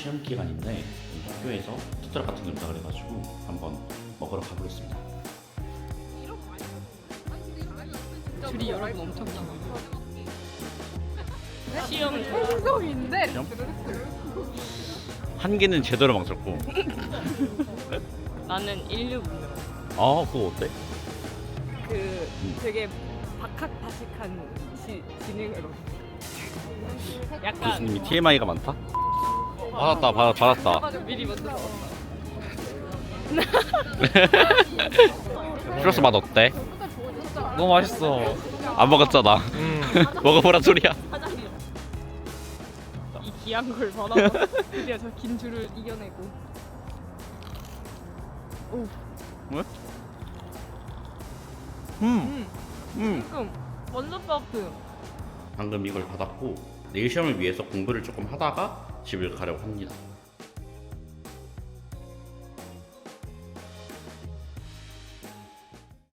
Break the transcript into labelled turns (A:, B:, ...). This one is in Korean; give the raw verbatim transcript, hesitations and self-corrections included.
A: 시험 기간인데 학교에서 푸드트럭 같은 게 온다 그래가지고 한번 먹으러 가보겠습니다.
B: 줄이 여러분 엄청 길어요. 시험
C: 행성인데
A: 시험? 한 개는 제대로 망쳤고.
B: 나는 인류문명.
A: 아 그거 어때?
B: 그 되게 박학다식한 지, 지능으로. 약간
A: 교수님이 티엠아이가 많다? 받았다 받, 받았다.
B: 미리 먼저 먹었다.
A: 슈러스 맛 어때?
D: 너무 맛있어.
A: 안 먹었잖아.
D: 음.
A: 먹어보란 소리야.
B: 이 귀한 걸 받아서 드디어 저 긴 줄을 이겨내고. 오,
A: 뭐야?
D: 음.
A: 음.
B: 조금 완전 따뜻.
A: 방금 이걸 받았고 내일 시험을 위해서 공부를 조금 하다가 집을 가려고 합니다.